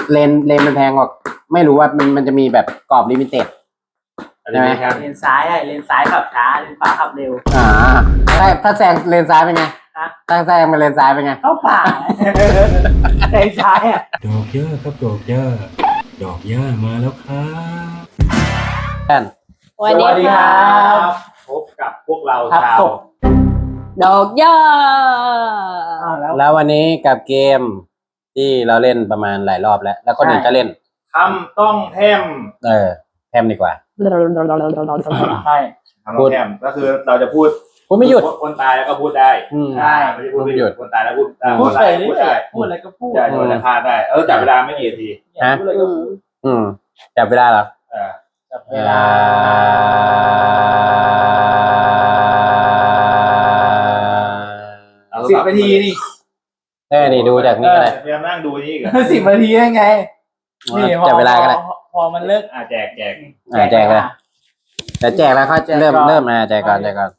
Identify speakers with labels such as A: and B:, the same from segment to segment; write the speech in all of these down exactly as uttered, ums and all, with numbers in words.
A: เลนเลนมันแพงกว่าไม่รู้ว่ามันมันจะมีแบบกรอบลิมิเต็ดใช่ไหม
B: เลนซ้ายอะเลนซ้ายขับช้าเลนขวาขับเร็ว
A: อ่าถ้าถ้าแซงเลนซ้ายเป็นไงถ้าแซงมาเลนซ้ายเป็นไง
B: เข้าป่าเลนซ้ายอ่ะ
C: ดอกย่าครับดอกย่าดอกย่ามาแล้วครับ
A: ท่าน
B: สวัสดีครับ
D: พบกับพวกเราชาว
E: ดอกย่า
A: แล้ววันนี้กับเกมที่เราเล่นประมาณหลายรอบแล้ว แล้วคนอื่นก็เล่น
D: คำต้องแทม
A: เออแทมดีกว่า
D: ใช่คำต้องแทมก็คือเราจะพูด
A: พูดไม่หยุด
D: คนตายแล้วก็พูดได้
A: ใช่
D: ไม่พูดไม่หยุดคนตายแล้วพูด
B: พูดไปพูดได้พูดอะไรก็พูด
D: ใช่พูดอะไรพลาดได้เออจับเวลาไม่กี่นาที
A: ฮะอืมจับเวลาเหรอ
D: เออ
B: จับเวลาสิบนาทีนี่
A: เออนี่ดูจากนี่เลย
D: พยายามนั่งดูนี่กัน
B: สิบนาทีได้ไง
A: นี่จับเวลาก็ได้
B: พอมันเลิก
D: อ่าแจกแจก
A: อ่าแจกเลยแต่แจกแล้วเขาเริ่มเริ่มมาแจกก่อนแจกก่อน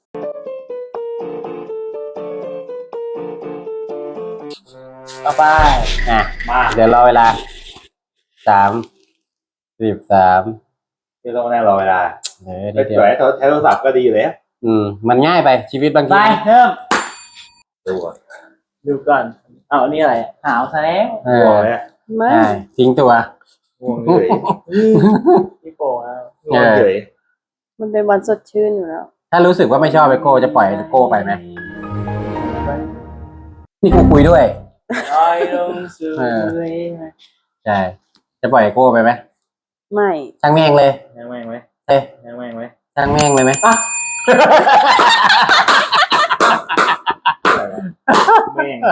B: ต่อไป
A: อ่ะมาเดี๋ยวรอเวลาสามสิบสาม
D: ที่ต้องแน่รอเวลา
A: เออ
D: ไม่สวยใช้โทรศัพท์ก็ดีเลย
A: อืมมันง่ายไปชีวิตบางที
B: ไปเริ่ม
D: ดูก่อน
B: ดูก่อนเอานี่อะไรหาวซะแล้ว
A: เออไม่ทิ้งตัว
D: ง่วงเลย
B: พี่โป้แล้ว
D: ง่วงเลย
E: มันเป็นวันสดชื่นอยู่แล้ว
A: ถ้ารู้สึกว่าไม่ชอบไปโก้จะปล่อยโก้ไปไหมนี่กูคุยด้วย
B: ลอยลงสู่ทะเล
A: ใช่จะปล่อยโก้ไปไหม
E: ไม่
A: ช่างแม่งเลย
D: ช่างแม่งไหม
A: เอ้ย
D: ช่างแม่งไหม
A: ช่างแม่งเลยไหม
D: แม่ง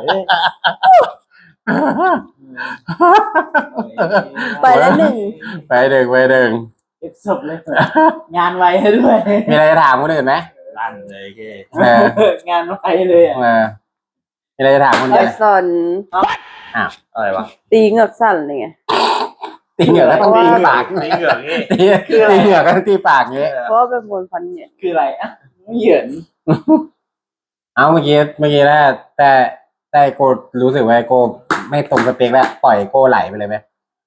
E: ไปแล้วหนึ่ง
A: ไปหนึ่งไปหนึ่ง
B: เก็บศพเลยงานไวให้ด้วย
A: มีอะไรจะถามคนอื่นไหม
D: ลั่นเลยแก
B: งานไวเลยอ่ะ
A: มีอะไรจะถามคนอื่นไหม
E: สน
A: อ้าว
D: อะไรวะ
E: ตีเหงือกสั่นเลยไง
A: ตีเหงือกก็ต้องตีปาก
D: ตีเหงือกนี่
A: ตีเหงือกก็ต้องตีปากงี้
E: เพราะเป็นคนฟันเหยิน
B: คืออะไรอ่ะไม่เหยิน
A: เอาเมื่อกี้เมื่อกี้แล้วแต่แต่โกรู้สึกว่าโกไม่ตรงสเปคแล้วปล่อยโกไหลไปเลยไหม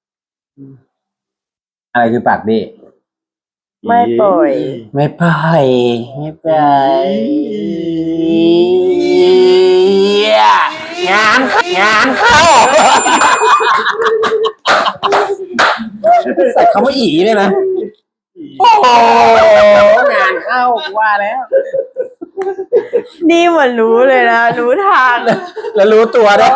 A: อะไรคือปากดี
E: ไม่ปล่อย
A: ไม่ปล่อยไม่ปล่อยงานงานเข้าใส่คำว่าอีเลยนะโอ้งานเข้าว่าแล้ว
E: นี่เหมือนรู้เลยนะรู้ทาง
A: แล้วรู้ตัวด้วย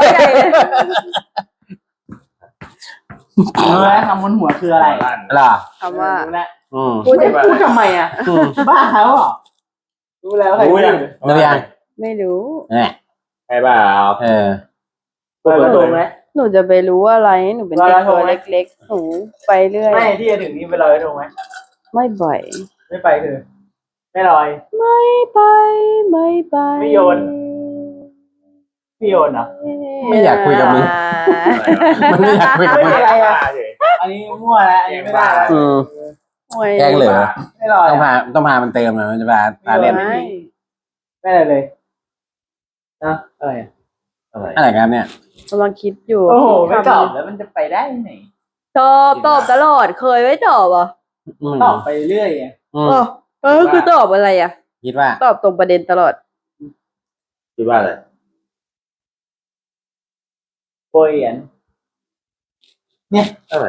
B: รู้แล้วคำบนหัวคืออะไร
A: ล่ะ
E: คำว่า
B: รู้แล้ว
E: พูด
B: พูดทำไมอ่ะบ้าเขาอ่ะรู้แล้วใครรู้ยัง
A: รู้ยัง
E: ไม่รู้
A: เนี่ย
D: ใครบ้า
A: เออ
B: เปิดตรงไหม
E: หนูจะไปรู้อะไรหนูเป็นเด็กตัวเล็กๆหนูไปเรื่อย
B: ไม่ที่จะถึงนี้ไปลอยตรงไหม
E: ไม่บ่อย
B: ไม่ไปคือไม่ลอย
E: ไม่ไปไม่ไป
B: ไม่โยนไม่โยนเหรอ
A: ไม่อยากคุยกับมึงมันไม่อยากคุยกับมึง
B: อะไรอ่ะอันนี้มั่วแล้วอันนี้ไม่ได้แล้ว
A: แกล้งเหลือ
B: ไม่ลอย
A: ต้องพาต้องพามันเติมนะมันจะพาพาเล่น
B: ไม่อะไรเลยนะอะไร
A: อะไรอะไรกันเนี่ย
E: กำลังคิดอยู่
B: โอ้โหไม่ตอบแล้วมันจะไปได้ไหน
E: ตอบตอบตลอดเคยไม่ตอบอ่ะ
B: ตอบไปเรื่อยไง
E: เออเออคือตอบอะไรอ่ะ
A: คิดว่า
E: ตอบตรงประเด็นตลอด
D: คิดว่าอะไร
B: โปรยนเนี่ย
D: อะไร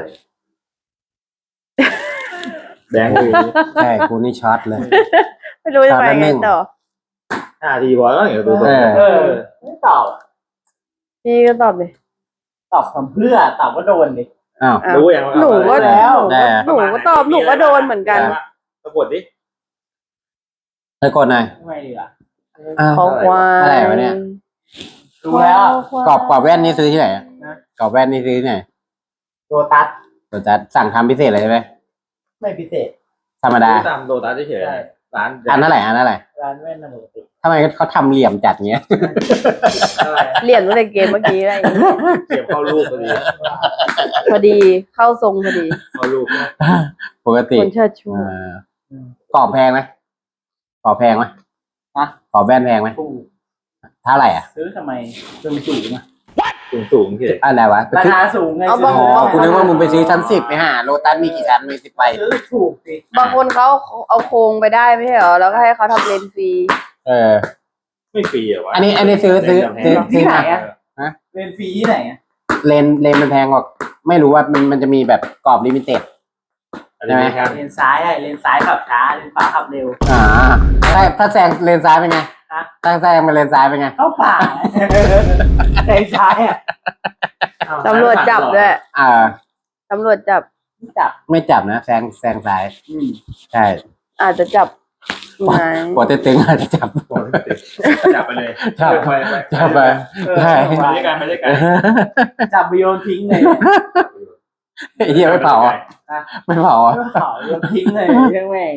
D: แบงค์
A: ใช่กูนี่ช็อตเลย
E: ไม่รู้จะไปไงต่อ
D: ห้าทีบอลแล้วอย่างตัว
B: เออไม่ตอบ
E: พี่ก็ตอบเลย
B: ตอบคำเพื่อตอบว่าโดนดิ
A: อ้าว
D: รู้อย่าง
E: หนูก็
B: แล้ว
E: หนูก็ตอบหนูก็โดนเหมือนกัน
D: สะกดดิ
A: สะกดหน่อย
B: ไม่ดีอ่ะ
E: ขอควาย
A: อะไรวะเนี่ย
B: รู้แล้ว
A: กรอบกรอบแว่นนี่ซื้อที่ไหนกรอบแว่นนี่ซื้อที่ไหน
B: โดตัส
A: โดตัสสั่งทำพิเศษอะไรใช่ไหม
B: ไม่พิเศษ
A: ธรรมดา
D: ตามโดตัสเฉยๆร้าน
A: อันนั่นแหละอันนั่นแหละ
B: ร้านแว่นปกติ
A: ทำไมเขาทำเหลี่ยมจัดเงี้ย
E: เหลี่ยมตั้งแต่เกมเมื่อกี้อะไร
D: เก็บเข้ารูปพอดี
E: พอดีเข้าทรงพอดี
D: เข้ารูป
A: ปกติ
E: คนเชิดชู
A: กรอบแพงไหมกรอบแพงไหม
B: ฮะ
A: กรอบแว่นแพงไหมเท่าไหร่อ่ะ
B: ซื้อทำไมซื้อจู่มา
D: สูงสูงที่
A: อะไรวะ
B: ราคาสูงไง
E: เอา
B: ซื้
E: บาง
A: อ๋อคุณนึกว่ามึงไปซื้อชั้นสิบไปหาโลตัสมีกี่ชั้นมีสิบใบ
B: ซื้อถูกสิ
E: บางคนเขาเอาโครงไปได้ไม่ใช่เหรอแล้วก็ให้เขาทำเลนส์ฟรี
A: เออ
D: ไม่ฟรีเหรอวะ
A: อันนี้อันนี้ซื้อซื้อซื้อซื้
B: ที่
A: อ
B: ไหน
A: มา
B: อะเรียนฟรีที่ไหนอะ
A: เลนเลนมันแพงกว่าไม่รู้ว่ามันมันจะมีแบบกรอบลิมิเต็ด
D: อันนี้ครับ
B: เลนซ้ายอะเลนซ้ายขับช้าเลนขวาขับเร็ว
A: อ่าถ้าถ้าแซงเลนซ้ายเป็นไง
B: ฮะ
A: ถ้าแซงมาเลนซ้ายเป็นไง
B: เข้าป่าเลนซ้ายอะ
E: ตำรวจจับด้วย
A: อ่า
E: ตำรวจจับ
B: จับ
A: ไม่จับนะแซงแซงซ้าย
B: อืม
A: ใช่
E: อาจจะจับไง
A: ปวดตึงๆอาจจะจับ
D: จับไปเลย
A: จับ
D: ไป
A: จับไป ใช่
D: ไปด้วยกันไปด้วยกัน
B: จับไปโยนทิ้งเลย
A: ไอ้เหี้ยไม่เผาอ่ะไม่เผาอ่ะ
B: เผาโยนทิ้งเลยเรื่องแม่ง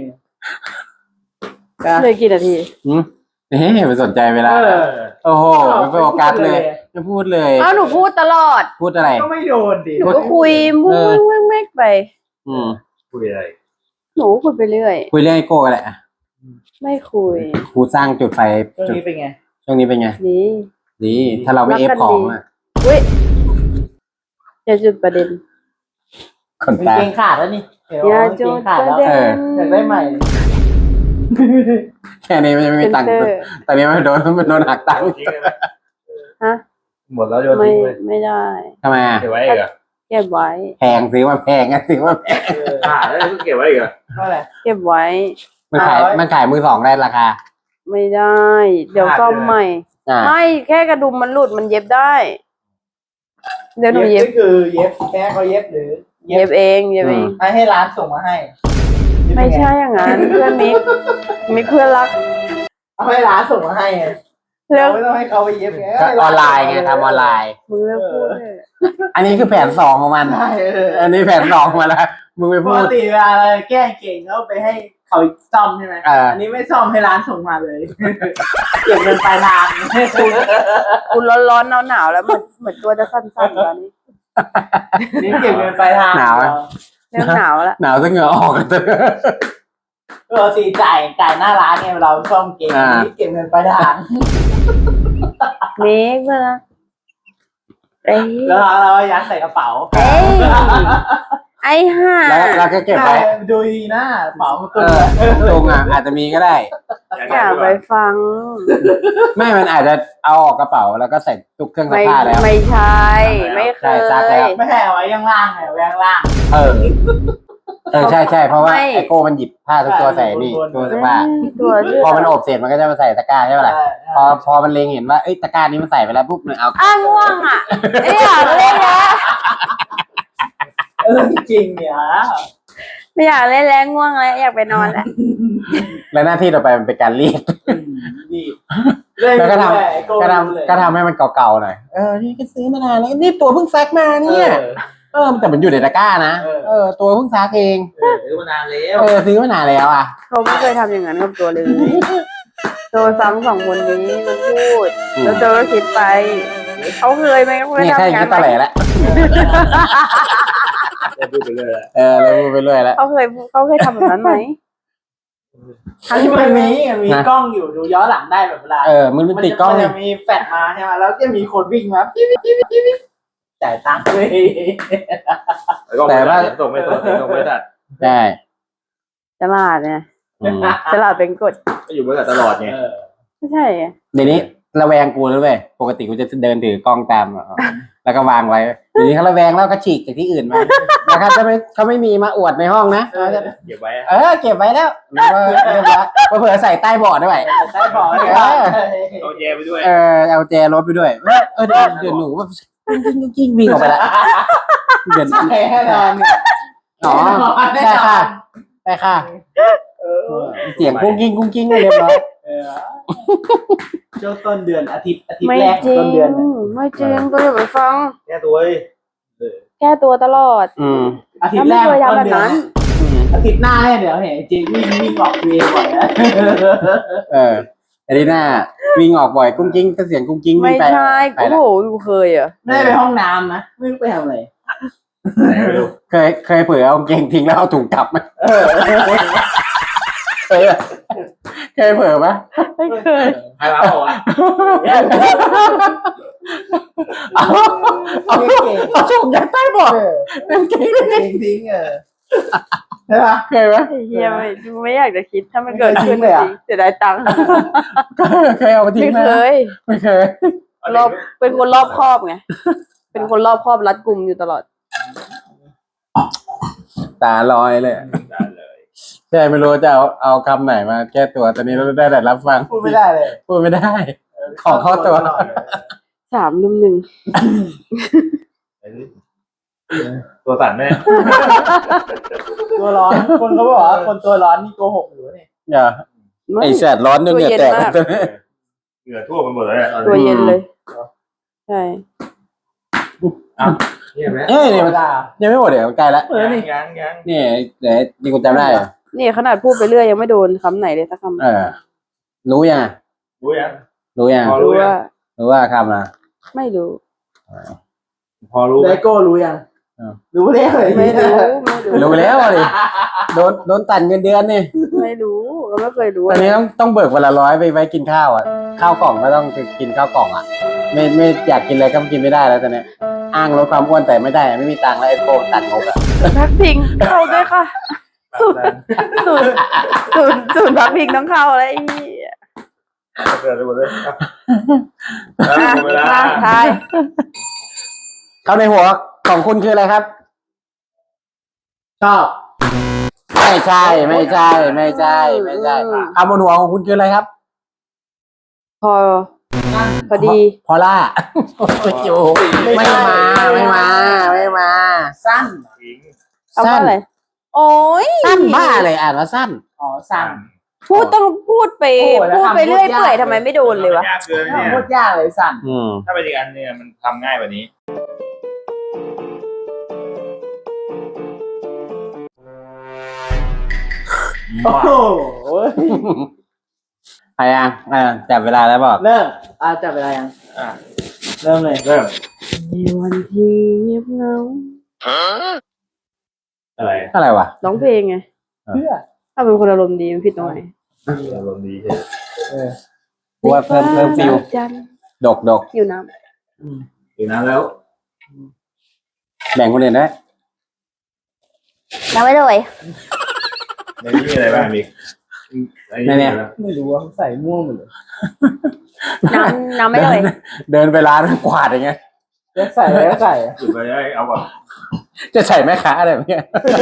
E: เลยกี่นาที
A: อืมนี่ไม่สนใจเวลา
B: เออ
A: โอ้โหไม่โฟกัสเลยไม่พูดเลย
E: อ้าวหนูพูดตลอด
A: พูดอะไร
B: ก็ไม่โดนดิ
E: หนูก็คุยมุ้งแม่งแม่งไป
A: อืม
D: คุยอะไร
E: หนูคุยไปเรื่อย
A: คุยเรื่องไอโก้กันแหละ
E: ไม่คุย
A: ครูสร้างจุดไฟ
B: เรื่อง
A: จุด
B: นี้เป็นไง
A: ช่วงนี้เป็นไง
E: นี่
A: ดี ถ้าเราไม่เอฟของอ่ะ
E: อุ้ยอย่าจุดประเด็น
A: คน
B: เป็น
A: ตา
B: เกงขาดแล้วนี่เห็น
E: อย่า
B: ว่าเก
E: จุ
B: ง
E: ด
B: ขาด
E: ประ
B: แล้ว
E: เด็น
B: อยากได้ใหม่
A: แค่นี้มันจะไม่มีตังค์
E: เซ็นเซอร์
A: ตอนนี้มันโดนมันโดนหักตังค์
D: ทิ้งได้ไหม
E: ฮะ
D: หมดแล้วโยน
E: ไม่
D: ทิ้งเลย
E: ไม่ได้
A: ทำไมอ่ะ
D: เก็บไว้อีกเหรอ
E: เก็บไว้
A: แพงซื้อมาแพงอ่ะซื้อมาแพง
D: อ่าแล้วก็เก็บไว้อีกเหรอ
B: เท่าไหร่
E: เก็บไว้
A: มันขาย
B: เอาไว้
A: มันขายมือสองได้ราคา
E: ไม่ได้ เดี๋ยวซ่อมใหม่
A: อ่า
E: ไม่แค่กระดุมมันหลุดมันเย็บได้ เดี๋ยวหนูเย็บ
B: ก็คือเย็บแค่เขาเย็บหรือ
E: เย็บเองเย็บเอง
B: ให้ให้ร้านส่งมาให้
E: ไม่ใช่อย่างนั้น เพื่อนมิกมิกเพื่อนรัก
B: เอาให้ร้านส่งมาให้ไง
E: เลิก
B: ไม่ต้องให้เขาไปเย็บไง
A: ก็ออนไลน์ไงทำออนไลน์
E: มึงเลิกพูดเลย
A: อันนี้คือแผนสองของมัน
B: ใช่เออ
A: อันนี้แผนสองมาแล้ว มึงไป
B: ป
A: พู
B: ก
A: ด
B: ติเวลาเราแก้เก่งเขาไปให้เขาซ่อมใช่ไหม
A: เอออั
B: อันนี้ไม่ซ่อมให้ร้านส่งมาเลย เก็บเงินปลายทาง
E: คุณร้อนๆหนาวๆแล้วเหมือนเหมือนตัวจะสั้นๆตอนนี้
B: นี่เก็บเงินปลายทาง
E: เริ่มหนาวแล้ว
A: หนาวซะเหงื่อออกเลย
B: ปกติจ่ายจ่ายหน้าร้านไงเราซ่อมเก่ง
A: อ่า
B: นี่เก็บเงินปลายทาง
E: มิกเพื่อนรักเอ้ย
B: แล้วเราเรายัดใส่กระเป๋า
E: เอ้ยไอ้ห่า
A: แล้วเราก็เก็บไว้
B: ใช่ดูดีนะกระเป๋ามัน
A: เอ
B: ตุ้ม
A: อตรงอ่ะอาจจะมีก็ได้
E: อย่าไปฟัง
A: ไม่มันอาจจะเอาออกกระเป๋าแล้วก็ใส่ตุกเครื่องซัก
E: ไม่
A: ผ้าแล้ว
E: ไม่ใช่ไม่เค
A: ใช่
E: ย
A: ซักแล้ว
B: ไม่ให้เอาไว้ข้างล่างไงไว้ข้างล่าง
A: เออ เออใช่ใช่เพราะว่า
E: ไม่
A: ไอโก้มันหยิบผ้าทุกตัวใส่นี่
B: บนๆ
A: ตัวซักผ้า
E: ตัวเชื่อ
A: พอมันอบเสร็จมันก็จะมาใส่ตะกร้าใช่ไหมล่ะ
B: ใช่
A: พอพอมันเล็งเห็นว่าเอ้ยตะกร้านี้มันใส่ไปแล้วปุ๊บมันเอา
E: อ้างง่วงอ่ะไม่อยากเล่นแล้ว
B: เออจริงเนี่ย
E: ไม่อยากเล่นแล้วง่วงแล้วอยากไปนอนแล้ว
A: แล้วหน้าที่ต่อไปมันเป็นการรีด
B: ดี
A: แล้วก็ทำ
B: ก็
A: ก็
B: ท
A: ทำก็ทำให้มันเก่าๆหน่อยเออนี่ก็ซื้อมานานแล้วนี่ตัวเพิ่งซักมา
B: ำ
A: เนี่ยเออแต่มันอยู่ในตะกร้านะ
B: เออ
A: เออตัวเพิ่งซักเอง
B: ซื้อมานานแล้ว
A: เออซื้อมานานแล้วอ่ะ
E: เขาไม่เคยทำอย่างนั้นกับตัวเลย ตัวซ้ำสองคนนี้มันพูด แล้วตัวก็คิดไป เขาเคยไหมเขาเคย
A: นี่
E: ทำ
A: แค่
E: อย่าง
A: คิ
E: นั้
A: ด
E: น
A: ตะ
E: ไห
A: แห
E: ม
A: ล่แล้ว
D: พูดไปเลย
A: เออเลยพูดไปเรื่อยแล้ว
E: เขาเคยเขาเคยทำแบบนั้นไหม
B: ทั้งที่มันมีมันมีกล้องอยู่ดูย้อนหลังได้แบบเวลา
A: เออมันมันติดกล้อง
B: มัน
A: เนี่ย
B: จะมีแฟลชมาใช่ไหมแล้วจะมีคนวิ่งมาปิ๊บปิ๊บปิ๊บปิ๊บปิ๊บจ่ายตังค์เลย
A: แต่ว่า
D: ส่งไม่ส่งส่งไม่ตัด
A: ใช่
E: ฉลาดไง
A: อืม
E: ฉลาดเป็นกฎ
D: ก็อยู่บริษัทตลอดไง
B: เออ
E: ไม่ใช่ไง
A: เดี๋ยวนี้ระแวงกูแล้วเว้ยปกติกูจะเดินถือกล้องตามอ่ะแล้วก็วางไว้เดี๋ยวนี้เขาระแวงแล้วก็ฉีกจากที่อื่นมาแล้วเขาจะไม่เขาไม่มีมาอวดในห้องนะเขาจะ
D: เก็บไว้
A: เออเก็บไว้แล้วแล้วก็เรียบร้อยเผื่อใส่ใต้เบาะด้วย
B: ได้บอกเลย
A: เออ
D: เอาแยไปด้วย
A: เออเอาแจรถไปด้วยเออเดี๋ยวเดี๋ยวหนูแบบกิ้งวิ่งออกไปแล้วเดี๋ยว
B: แน่นอนเนี่ย
A: อ๋อได้ค่ะได้ค่ะ
B: เออ
A: เสียงกุ้งกิ้งกุ้งกิ้งเรียบร้อย
B: เออช่วงต้นเดือนอาทิตย์อาทิตย์
E: ไม่
B: แรก
E: จริง
B: ต้นเดือนน่ะ
E: ไม่จริงก็อย่าไปฟัง
D: แก้ตัวเว้ย
E: แก้ตัวตลอด
A: อืม
B: อาทิตย์แรก
E: แล้วไม่เคยทำ
B: ต้นเดือน
E: แบบนั้น
B: น่ะอาทิตย์หน้าเนี่ยเดี๋ยวเห็นจริงวิ่งวิ่งออกเวรบ่อยนะ
A: เออไอ้นี่น่าวิ่งออกบ่อยกุ้งกิ้งก็เสียงกุ้งกิ้งวิ่
E: ไม่
A: งไป
E: ใช่
A: ไป
E: โอ้
A: แล้ว
E: โหกูเคยเหรอ่ะ
B: ไม่ได้ไปห้องน้ำนะไม่รู้ไปทำอะไร
D: ไหนไม่รู้
A: เคยเคยเผลอเอากางเกงทิ้งแล้วเอาถุงกลับไหม
B: เออ
A: เคยอะเคยเผลอไหม
E: ไม่เคย
D: ใครรับบอกว่า
A: เอาเอาเอาส่งยัดใต้เบาะ
B: เออ
A: เต็มที่เลย
B: ทิ้งทิ้งเออใช่ปะ
A: เคยไหม
E: ไอ้เฮียไม่ไม่อยากจะคิดถ้ามันเกิดขึ้น
B: ไม่
E: จ
B: เคย
E: ริงเสียดายตังค์
A: เคยเอามาทิ้
E: ไม่
A: งไหม
E: เคย
A: ไม่เคย
E: รอบเป็นคนรอบคอบไงเป็นคนรอบคอบรัดกุมอยู่ตลอด
A: ตาลอยเลย
D: ได้เลย
A: ใช่ไม่รู้จะเอาเอาคำไหนมาแก้ตัวตอนนี้เราได้แต่รับฟัง
B: พูดไม่ได้เลย
A: พูดไม่ได้ ของเข้าตัว
E: สามลุมหนึ่ง
D: ตัวสั่นแน่
B: ตัวร้อนคนเขาบอกว่าคนตัวร้อนนี่โกหกอยู่เนี่ย
A: อย่าไอแสดร้อนจนเหงื่อแตก
D: เหงื่อทั่วไปหมดเลยอะ
E: ตัวเย็นเลย ใช่
D: นี่เห็นไหม
A: เอ้ย
B: ธร
A: เนี่ย
B: รม
A: มัน
B: ดา
A: ยังไม่หมดเดี๋ยวใกล้ละ
B: เออนี่
D: ยังยัง
A: นี่เดี๋ยวนี่กูจำได้เหรอ
E: นี่ขนาดพูดไปเรื่อยยังไม่โดนคำไหนเลยสักคำ
A: เออ รู้ยัง
D: รู้ยัง
A: รู้ยัง
D: พอ
E: รู้ว่า
A: รู้ว่าคำนะ
E: ไม่รู้
D: พอรู้ไหม
B: ไดโก้รู้ยัง
A: อ้าว
B: รู้แล้วเลย
E: ไม่รู้ไม่รู้
A: รู้แล้วดิโดนโดนตัดเงินเดือนนี่
E: ไม่รู้ก็ไม่เคยรู้
A: ตอนนี้ต้องต้องเบิกวันละร้อยไปไว้กินข้าวอ่ะข้าวกล่องก็ต้องกินข้าวกล่องอ่ะ ไม่ไม่อยากกินอะไรก็กินไม่ได้แล้วตอนนี้อ้างลดความอ้วนแต่ไม่ได้ไม่มีตังค์แล้วไอ้โกตัดงบอ่ะ
E: พักพิงเข้าด้วยค่ะศูนย์ศูนย์ศูนย์ศูนย์พักพิงต้องเข้าแล้วไอ้เหี้ย
D: เกิดอะไรหมดเลยอ่ะแล้วหมดเวลา
E: มาทาย
A: เข้าในหัวของคุณคืออะไรครับ
B: ชอบ
A: ไม่ใช่ไม่ใช่ไม่ใช่ไม่ใช่คำบนหัวของคุณคืออะไรครับ
E: พอพอดี
A: พอล่าโอ้ยโอ้ไม่มาไม่มาไม่มา
B: สั้น
D: ทิ้ง
E: เอาว่าอะไรโอ้ย
A: สั้นบ้าอะไรอ่านว่าสั้น
B: อ๋อสั้น
E: พูดต้องพูดไป
B: โอ้ยแล้ว
E: พูดไป
B: ทำ
E: เรื่อย
B: พูดยาก
E: เปื่อยทำไมไม่โดนเลยวะ
D: ยากเกินเนี่ย
B: โคตรยากเลยสั้น
A: อืม
D: ถ้าเป็นอีกอันเนี่ยมันทำง่ายกว่านี้
B: โอ้โห
A: ใครอ่ะอ่าจับเวลาแล้วบอก
B: เริ่มอ่าจับเวลายัง
D: อ่ะ
B: เริ่มเลย
D: เริ่ม
E: ในวันที่เงียบเหงา
D: อะไร
A: อะไรวะ
E: ร้องเพลงไง
B: เพื่อ
E: ถ้าเป็นคนอารมณ์ดีมันผิดตรงไหน
D: อารมณ์ดีเฉย
B: เออ
A: กูว่าเพิ่มเพิ่มฟิว
E: จันทร์
A: ดกดก
E: อยู่น้
B: อืม
D: อยู่นั้นแล้ว
A: แบ่งคนอื่นได้
E: ำน้ำไม่เลย
D: ในนี้มีอะไรบ้างมีไอ้นี่อะไร
B: ไม่รู้ว่าใส่ม่วงหมดเลย
E: น้ำน้ำไม่เลย
A: เดินไปร้านกวาดอย่างเงี้ย
B: จะใส่อะไรก็ใส่
D: หยุดไปได้เอาแบบ
A: จะใส่แม่ค้าอะไรแบบเนี้ย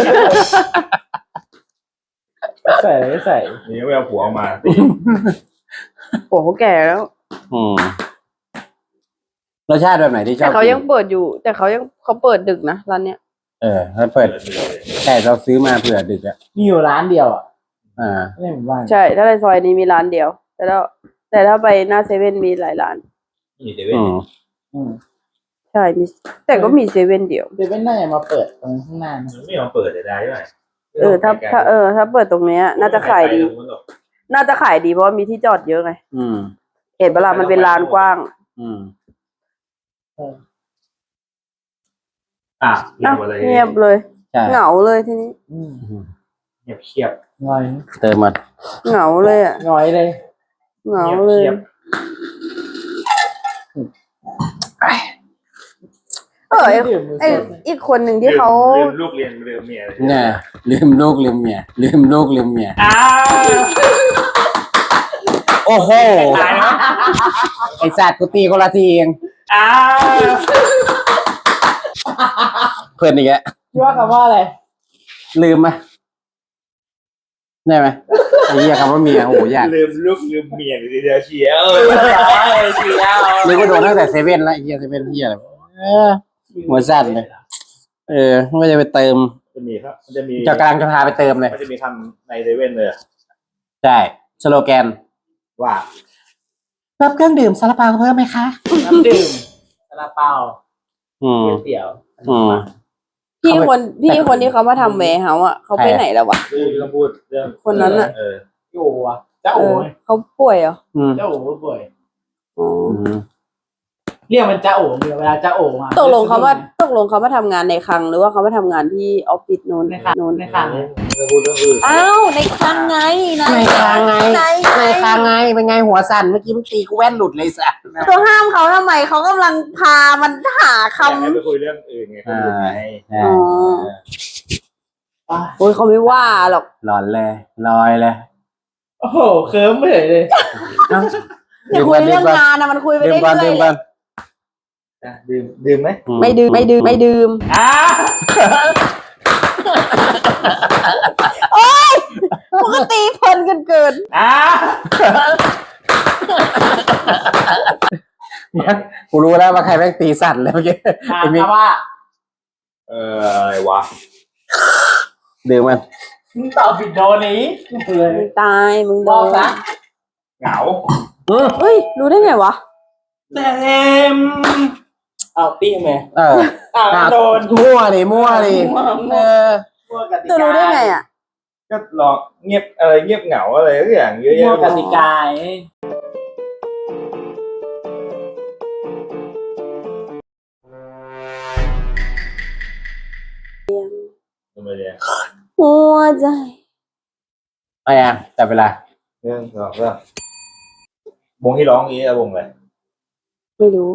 B: ใส่อะไรก็ใส่
D: นี่ไม่เอาผัวออกมาตี
E: โอ้เขาแก่แล้ว
A: อืมรสชาติแบบไหนที่ชอ
E: แต่
A: บ
E: เขา
A: กิน
E: ยังเปิดอยู่ แต่เขายังเขาเปิดดึกนะร้านเนี้ย
A: เออถ้าเปิดแต่เราซื้อมาเผื่อดึกอ่ะ
B: มีอยู่ร้านเดียวอ่ะ
A: อ่า
B: ไม่ใช่หมู่บ้าน
E: ใช่ ถ้าในซอยนี้มีร้านเดียว แต่ถ้าแต่ถ้าไปหน้าเซเว่นมีหลายร้าน
D: นี่เดวิด
A: อืม
B: อืม
E: ใช่มีแต่ก็มีเซเว่นเดียว
B: เดวิดน่าจะมาเปิดตรงข้างหน้านะ
D: ไม่ยอมเปิดเลยได้ด้วย
E: เออถ้าถ้าเออถ้าเปิดตรงเนี้ย น่าจะขายดี น่าจะขายดีเพราะว่ามีที่จอดเยอะไง
A: อืม
E: เห็นเวลามันเป็นลานกว้าง
A: อืม
D: อ่ะเงีย
E: อ่ะ
D: บหมดเลย
E: เงียบเลย
A: ใช่
E: เหงาเลยทีนี้
B: อืม
D: เงียบเชียบ
B: งอย
A: เติมมา
E: เหงาเลยอ่ะ
B: งอยเลย
E: เหงาเลย
D: งีบ
E: เออไอ้
B: ดื่มมือ
E: ไอ้
B: สด
E: อีกคนหนึ่งที่เขา
D: ลืมลูกเรียนลืมเมียเลย
A: เนี่ยลืมลูกลืมเมียลืมลูกลืมเมีย
D: อ้าว
A: โอ้โห
D: ตายแล้ว
A: ไอสัตว์กูตีคนละทีเอง
D: อ้าว
A: เพื่อนอีกแล้ว
B: คิดว่าคำว่าอะไร
A: ลืมไหมได้ไหมไอ้เหี้ยคำว่าเมียโอ้โหยาก
D: ลืมลูกลืมเมียเลยทีเดียวเชียว
B: เชียว
A: นึกว่าโดนตั้งแต่เซเว่นแล้วไอ้เหี้ยเซเว่นเหี้ยอะไรเออหัวสั่นเลย เออไม่จะไปเติม
D: จะมีครับมันจะมี
A: จะกำลังจะพาไปเติมเลย
D: มันจะมีคำในเซเว่นเลย
A: ใช่สโลแกน
D: ว่า
A: รับเครื่องดื่มซาลาเปาเพิ่มไหมคะ
B: น้ำดื่มซาลาเปา
A: อืม
B: เตี๋ยว
A: อืม
E: พี่คนพี่คนที่เขามาทำแวร์เฮาส์อ่ะเขาไปไหนแล้ววะ
D: พูดก็พูดเรื่อง
E: คนนั้นน่ะ
D: เออ
B: โอ้อะเจ้า
E: เอ
B: โอ้
E: อเขาป่วยเหรอ
A: อืม
B: เจ้าโอ้ป่วย
E: อ๋อ
A: อืม
B: เรียกมันเจ้าโอ้เวลาเจ้าโอ้มา
E: ตกลงเขาว่าตกลงเขามาทำงานในคลังหรือว่าเขามาทำงานที่ออฟฟิศนู้น
B: ในคลัง
E: นู้น
B: ในคลัง
D: เอจะพูดเรื่องอื่น
E: อ้าวในคลังไงนะ
A: ในคางไง
E: ใน
A: ในคางไงเป็นไงหัวสั่นเมื่อกี้มึงตีกูแว่นหลุดเลยสัส
E: ตัวห้ามเขาทำไมเขากำลังพามันหาค
D: อยากให้ไปคุยเรื่องอื่นไงคนอื่นไง
E: ำอ๋อโอ้ยเขาไม่ว่าหรอก
A: หลอนเลยลอยเลย
B: โอ้โหเคิร์มไปเลยเลย
E: จะคุยเรื่องงานนะมันคุยไป
A: ดื่ม
E: เรื่
A: ก่อน
E: อย
A: ดื่ม
E: ๆ
A: ก่อน
D: อ่ะดื่มดื่มไหม
E: ไม่ดื่มไม่ดื่มไม่ดื่ม
B: อ่ะ
E: ปกติเพลินกันเกิน
B: อ่ะ
A: กูรู้แล้วว่าใครแม่งตีสั่นเลยเมื่อกี้
B: ถา
A: ไอ้
B: ม
A: มิก
B: ว่า
D: เอออะไรวะ
A: ดื่มมัน
B: มึงตอบผิดโดนนี้เลย
E: มึงตายมึงโด
B: บอก
E: น
B: ซะ
D: เหงา
A: อืม
E: เฮ้ยรู้ได้ไงวะ
B: เต็มเอาตีไหม
A: เออ
B: อ่าโดน
A: มั่วดิมั่วดิเออ
B: มั่วกติ
E: จะ
B: กา
E: รู้ได้ไงอ่ะ
D: ก็ลองเงียบอะไรเงียบเหงาอะไรทุกอย่างเยอะ
B: มั่ว
D: แยะ
B: กติกา
D: ทำไมเนี่ย
E: หัวใจ
A: เอายังจับเวลา
D: เรื่องสองเรื่องวงที่ร้องนี้อะวงอะไร
E: ไม่รู้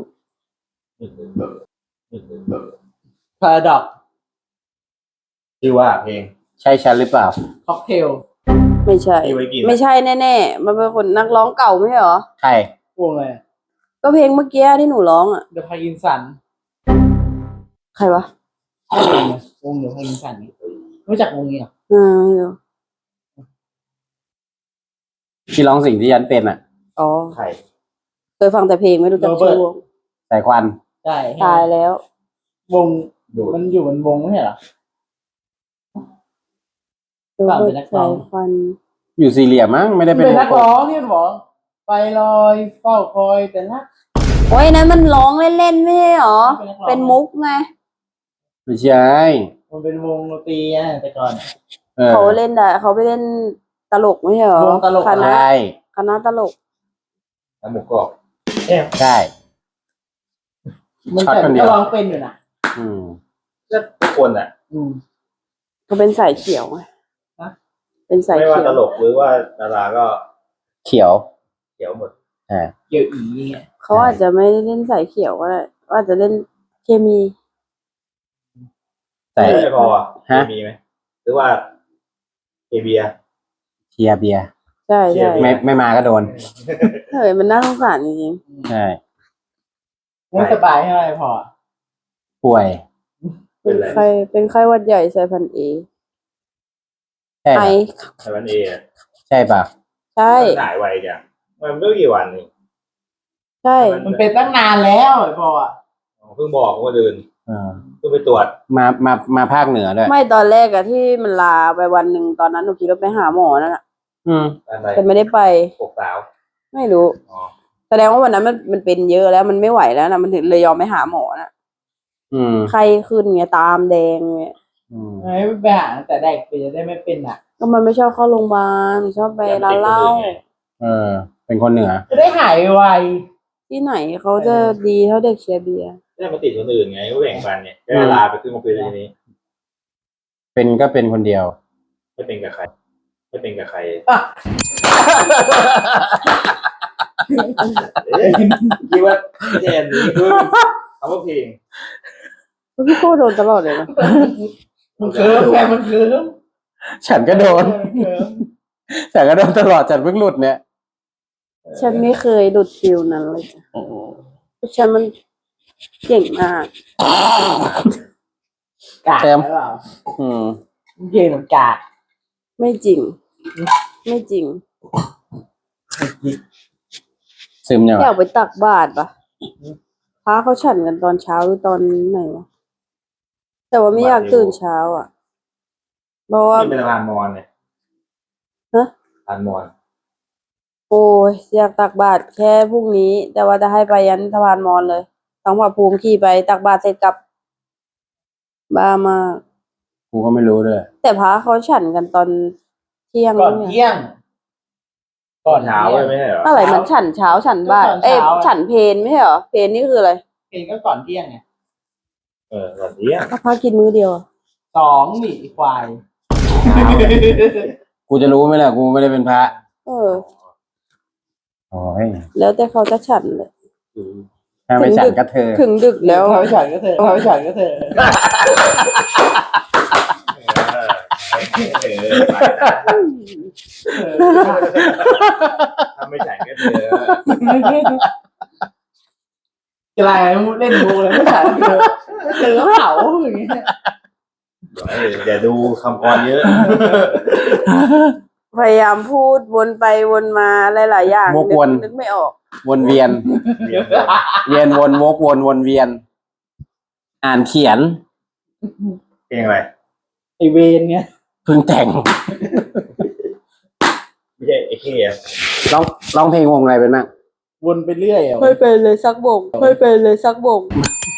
B: พาราดอก
D: ชื่อว่าเพลง
A: ใช่ฉันหรือเปล่า
B: ค็อกเทล
E: ไม่ใช่
D: ที่ไว้กิน
E: ไม่ใช่แน่ๆมันเป็นคนนักร้องเก่าไม่ใช่เหรอ
A: ใคร
B: วงอะไร
E: ก็เพลงเมื่อกี้ที่หนูร้องอ่ะ
B: เดอะพากินสัน
E: ใครวะ
B: ใช่วงเนี่ยวงเดอะพากินสันรู้จักวงนี้เหรอ
E: อ่าไม่รู้
A: ที่ร้องสิ่งที่ฉันเป็นอ่ะ
E: อ๋อ
D: ใคร
E: เคยฟังแต่เพลงไม่รู้จักชื่อวง
A: สายควัน
B: ใช่
E: ตายแล้ว
B: วง
D: ดูด
B: มันอยู่บนวงไม่ใช่เหรอ
E: โรเบิร์ต
B: เป็นนักร้
E: สา
B: อง
E: ยควัน
A: อยู่สี่เหลี่ยมมั้งไม่ได้เป็น
B: เป็นนัก
A: วงกล
B: ร้อ
A: ม
B: งที่มันบอกไปลอยเฝ้าคอยแต่ละ
E: โอ้ยนั้นมันร้องเล่นๆไม่ใช่เหรอ
B: เป็นนักร้อง
E: เป็นมุกไง
A: ไม่ใช่
B: มันเป็นวงดนตรีอะแต่ก่อนอะ
A: เออ
E: เขาเล่นได้เขาไปเล่นตลกไม่ใช่เหรอ
B: วงตลก
E: คณะ
A: ใช่
E: คณะตลก
D: น้ำหมูกรอบ
A: ใช่
B: มัน
A: ช็อต
B: แต่
A: คนเดี
B: ก็
A: ยว
B: ร้องเป็นอยู่นะ
A: อืม
D: ก็ทุกคนอ่ะ
B: อืม
E: เขาเป็นสายเขียวไง
B: ฮะ
E: เป็นสาย
D: ไม่
E: เขี
D: ว่า
E: ยว
D: ตลกหรือว่าดาราก็
A: เขียว
D: เขียวหมด
A: อ่า
B: เกี่ยวอีเงี้ย
E: เขาอาจจะไม่ได้เล่นสายเขียวก็ได้เขาอาจจะเล่นเคมี
A: แต่
D: ไม่พออ่ะ
A: ฮะ
D: มีไหมหรือว่าเอเบีย
A: เชียร์เบียร์
E: ใช่
D: เชีย
E: ใช่
D: ร์
A: ไม่ไม่มาก็โดน
E: เฮ้ยมันน่าสงสารจริง
A: ใช่
B: ไม่สบายให้อะไรพอ
A: ป่วย
E: ๆเป็นไข้เป็นไข้หวัดใหญ่สายพันธุ์เอ
A: ใช่
E: ไอ
A: ปะ
D: ไต้หวันเออะ
A: ใช่ป่ะ
E: ใช่
D: มันหายไวจังมันไม่กี่วันนี่
E: ใช่
B: มันเป็นตั้งนานแล้วไอ้พออะ
D: เพิ่งบอกว่าเดิน
A: เออ
D: เพิ่งไปตรวจ
A: มามามาภาคเหนือด้วย
E: ไม่ตอนแรกอะที่มันลาไปวันหนึ่งตอนนั้นหนูคิดว่าไปหาหมอนั่นแหละ
A: อืม
D: อะไร
E: แต่ไม่ได้ไป
D: ปกสาว
E: ไม่รู้
D: อ๋อ
E: แสดงว่าวันนั้นมันมันเป็นเยอะแล้วมันไม่ไหวแล้วนะมันถึงเลยยอมไปหาหมอนะ
A: อืม
E: ไข้ขึ้นไงตามแดงไง
A: อืม
B: ไม่ไปหาแต่เด็กไปจะได้ไม่เป็นอ่ะ
E: ก็มันไม่ชอบเข้าโรงพยาบาลชอบไปร้านเหล้า
A: เออ เป็นคนเหนือ
B: จะได้หายไว
E: ที่ไหนเขาจะดีเท่าเด็กเชียร์เบียร์
D: ได้มาติดคนอื่นไงก็แบ่งปันเนี่ยได้ลาไปขึ้นมาคุยทีนี้
A: เป็นก็เป็นคนเดียว
D: ไม่เป็นกับใคร ไม่เป็นกับใคร เอ๊ะคิดว่าแทนนี้คือคำว่าเพลง
E: พี่โก้โดนตลอดเลยนะ
B: มันเคิร์มไงมันเคิร์ม
A: ฉันก็โดน
B: มันเคิร์ม
A: ฉันก็โดนตลอดฉันเพิ่งหลุดเนี่ย
E: ฉันไม่เคยหลุดฟิลนั้นเลยจ้ะเพราะฉันมันเก่งมาก
B: กากหรือเปล่า
A: อืม
B: เย็นมันกาก
E: ไม่จริง ไม่จริง
A: ซึมเนี่ยวะ
E: อยากไปตักบาตรปะพระเขาฉันกันตอนเช้าหรือตอนไหนวะแต่ว่าไม่อยากตื่นเช้าอ่ะ เพราะว่า
D: ที่เป็นสะพานมอญเนี่ย
E: ฮะ
D: สะพานมอญ
E: โอ้ยอยากตักบาตรแค่พรุ่งนี้ แต่ว่าจะให้ไปยันสะพานมอญเลยต้องพาภูมิขี่ไปตักบาตรเสร็จกลับ บ้ามาก
A: กูก็ไม่รู้ด้วย
E: แต่พระเขาฉันกันตอนเที่ยง
B: ก่อน
E: เนี่ย
B: เที่ยง
D: ก่อนเช้าเลยไม่ใช่เหรอ
E: อะไรมันฉันเช้าฉันบ่าย
B: ก็ตอนเช้า
E: เอ้ย
B: อะ
E: ฉันเพลไม่ใช่เหรอเพลนี่คืออะไร
B: เพลงก็ก่อนเที่ยงไง
D: เออก่อนเที่ยง
E: ก็พระกินมื้อเดียวอะ
B: สองหมีควาย
A: กูจะรู้ไหมล่ะกูไม่ได้เป็นพระ
E: เออ
A: โอ้ย
E: แล้วแต่เขาจะฉันเลย
A: ถ้าไม่ฉันก็เธอ
E: ถึงดึกแล้ว
B: พาไปฉันก็เถอะพาไปฉันก็เถอะ
D: เออถ้าไม่จ่ายก็เธอ
B: อะไรเล่นมูเลยไม่ฉันเถอะเจอเผาอย่างเงี้ย
D: อย่าดูคำกรเยอะ
E: พยายามพูดวนไปวนมาหลายๆอย่าง
A: วกวน
E: นึกไม่ออก
A: วนเวียน เวียนวนวกวนวนเวียน อ่านเขียน
D: เพลงอะไร
B: ไอเวนเนี่ย
A: เพิ่งแต่ง
D: ไม่ใช่ไอ้เหี้ย
A: ร้องร้องเพลงวงอะไรเป็นบ้าง
B: วนไปเรื่อยอ่ะ
E: ไม่เป็นเลยสักบงไม่เป็นเลยสักบง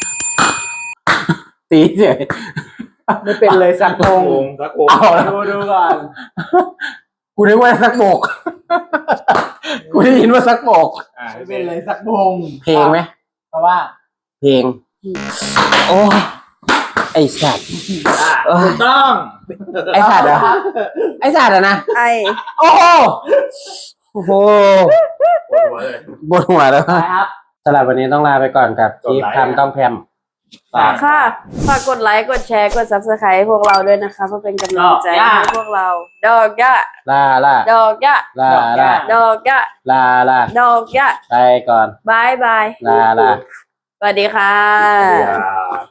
A: ตีเฉย
B: ไม่เป็นเลยสักโมง
D: วงสักวง
A: เอาแล้ว
B: ดูดูก่อน
A: กูนึกว่าสักโบก กูได้ยินว่าสักโบก
D: อ่า
B: ไม่เป็นเลยสักโมง
A: เพลงไหม
B: เพราะว่า
A: เพลง โอ้ยไอสัตว์
B: ถูกต้อง
A: ไอสัตว์เหรอไอสัตว์เหรอนะ
E: ไอ
A: โอ้โหโอ้โห
D: ปวดหัวเลย
A: บนหัวแล้ว
B: ไปครับ
A: สำหรับวันนี้ต้องลาไปก่อนกับคลิปทำต้องแพมฝาก
E: ค่ะฝากกดไลค์กดแชร์กด ซับสไครบ์ ให้พวกเราด้วยนะคะเพื่อเป็นกำลังใจให้พวกเรา ดอกยะ
A: ลาลา
E: ดอกยะ
A: ลาลา
E: ดอกยะ
A: ลาลา
E: ดอกยะ
A: ไปก่อน
E: บายบาย
A: ลาลา
E: สวัสดีค่ะ
D: อย่า